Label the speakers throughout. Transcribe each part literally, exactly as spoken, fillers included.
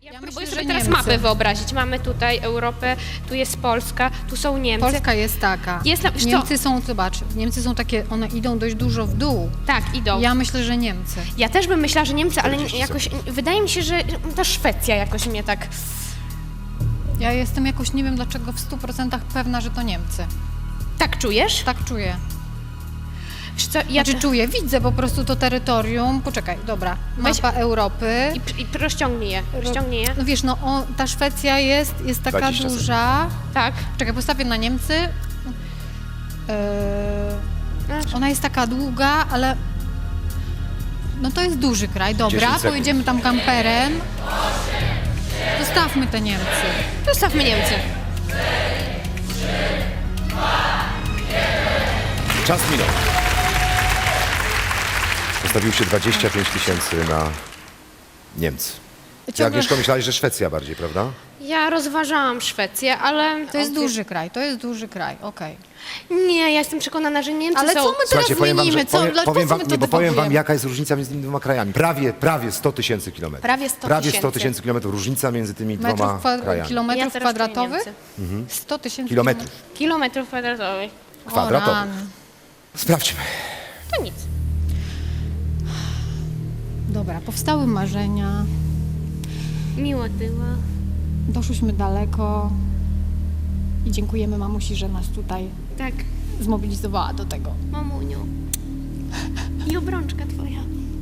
Speaker 1: Ja,
Speaker 2: Ja
Speaker 1: próbuję
Speaker 2: myślę,
Speaker 1: sobie
Speaker 2: że
Speaker 1: teraz
Speaker 2: Niemcy.
Speaker 1: mapę wyobrazić. Mamy tutaj Europę, tu jest Polska, tu są Niemcy.
Speaker 2: Polska jest taka.
Speaker 1: Jest na- wiesz co?
Speaker 2: Niemcy są, zobacz, Niemcy są takie, one idą dość dużo w dół.
Speaker 1: Tak, idą. Ja...
Speaker 2: Ja myślę, że Niemcy.
Speaker 1: ja też bym myślała, że Niemcy, ale
Speaker 3: czterdzieści
Speaker 1: jakoś wydaje mi się, że ta Szwecja jakoś mnie tak...
Speaker 2: Ja jestem jakoś, nie wiem dlaczego, w stu procentach pewna, że to Niemcy.
Speaker 1: Tak czujesz?
Speaker 2: Tak czuję.
Speaker 1: Wiesz co, ja
Speaker 2: Znaczy czuję, widzę po prostu to terytorium. Poczekaj, dobra,
Speaker 1: Weź-
Speaker 2: mapa Europy.
Speaker 1: I, i rozciągnij je, rozciągnij je.
Speaker 2: No wiesz, no o, ta Szwecja jest, jest taka
Speaker 3: dwadzieścia
Speaker 2: duża.
Speaker 1: Tak.
Speaker 2: Czekaj, postawię na Niemcy. Yy,
Speaker 1: Znaczy,
Speaker 2: ona jest taka długa, ale no to jest duży kraj. Dobra,
Speaker 3: dziesięć sekund.
Speaker 2: pojedziemy tam kamperem. Zostawmy te Niemcy.
Speaker 1: Zostawmy Niemcy.
Speaker 3: Czas minął. Postawił się dwadzieścia pięć tysięcy na Niemcy. Ty,
Speaker 2: Ciągle-
Speaker 3: Agnieszko, myślałeś, że Szwecja bardziej, prawda?
Speaker 1: Ja rozważałam Szwecję, ale...
Speaker 2: To jest duży kraj, to jest duży kraj, okej.
Speaker 1: Nie, ja jestem przekonana, że Niemcy
Speaker 2: Ale
Speaker 1: są...
Speaker 2: co my teraz
Speaker 3: Słuchajcie, powiem wam, że
Speaker 2: zmienimy? Co,
Speaker 3: powiem,
Speaker 2: dlaczego
Speaker 3: powiem wam,
Speaker 2: my to
Speaker 3: nie, bo powiem wam,
Speaker 2: dewagujemy?
Speaker 3: jaka jest różnica między tymi dwoma krajami. Prawie, prawie sto tysięcy kilometrów.
Speaker 1: Prawie sto
Speaker 3: Prawie sto
Speaker 1: tysięcy.
Speaker 3: tysięcy kilometrów różnica między tymi dwoma
Speaker 2: Metrów kwa-
Speaker 3: krajami.
Speaker 2: kilometrów
Speaker 1: Ja teraz czuję
Speaker 2: kwadratowych?
Speaker 1: Niemcy.
Speaker 2: sto tysięcy
Speaker 3: Kilometrów.
Speaker 1: Kilometrów kwadratowych.
Speaker 3: Kwadratowych.
Speaker 2: O, rany.
Speaker 3: Sprawdźmy.
Speaker 1: To nic.
Speaker 2: Dobra, powstały marzenia,
Speaker 1: Miło było.
Speaker 2: doszłyśmy daleko i dziękujemy mamusi, że nas tutaj
Speaker 1: Tak,
Speaker 2: zmobilizowała do tego.
Speaker 1: mamuniu. I obrączka twoja.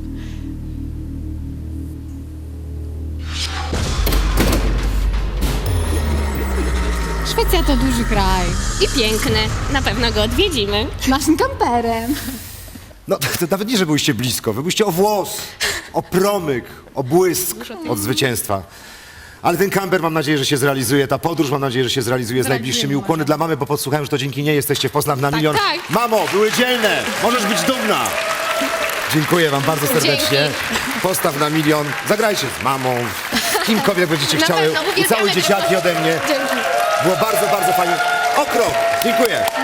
Speaker 2: Szwecja to duży kraj.
Speaker 1: I piękny. Na pewno go odwiedzimy.
Speaker 2: Naszym kamperem.
Speaker 3: No to, to nawet nie, że byliście blisko, wy byliście o włos, o promyk, o błysk od zwycięstwa. Ale ten kamper mam nadzieję, że się zrealizuje, ta podróż mam nadzieję, że się zrealizuje z
Speaker 2: Zrealizujemy,
Speaker 3: najbliższymi. Ukłony
Speaker 2: może.
Speaker 3: dla mamy, bo podsłuchałem, że to dzięki niej jesteście w Poznań na milion.
Speaker 1: tak.
Speaker 3: Mamo, były dzielne, możesz być dumna. Dziękuję wam bardzo serdecznie. Postaw na milion, zagrajcie z mamą, z kimkolwiek będziecie
Speaker 1: Na
Speaker 3: chciały.
Speaker 1: pewno,
Speaker 3: I
Speaker 1: uwielbiamy
Speaker 3: całe dzieciaki ode mnie.
Speaker 2: Dzięki.
Speaker 3: Było bardzo, bardzo fajnie. O krok, dziękuję.